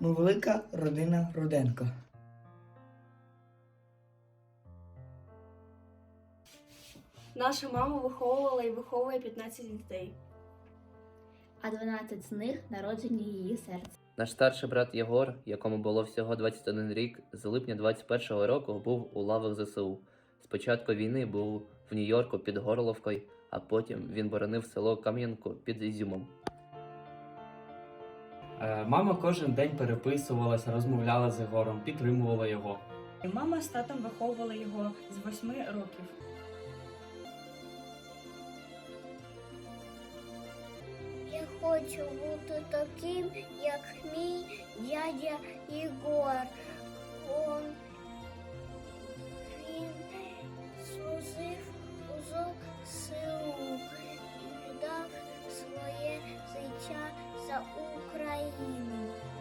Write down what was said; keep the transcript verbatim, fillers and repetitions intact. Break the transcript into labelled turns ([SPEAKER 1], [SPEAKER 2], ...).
[SPEAKER 1] Ми велика родина Руденко.
[SPEAKER 2] Наша мама виховувала і виховує п'ятнадцять дітей.
[SPEAKER 3] А дванадцять з них народжені її серцем.
[SPEAKER 4] Наш старший брат Єгор, якому було всього двадцять один рік, з липня двадцять першого року був у лавах зе се у. З початку війни був в Нью-Йорку під Горловкою, а потім він боронив село Кам'янку під Ізюмом.
[SPEAKER 5] Е, Мама кожен день переписувалася, розмовляла з Єгором, підтримувала його.
[SPEAKER 6] Мама з татом виховувала його з восьми років.
[SPEAKER 7] Я хочу бути таким, як мій дядя Єгор. Он, він служив у зе се у і віддав своє життя за Україну.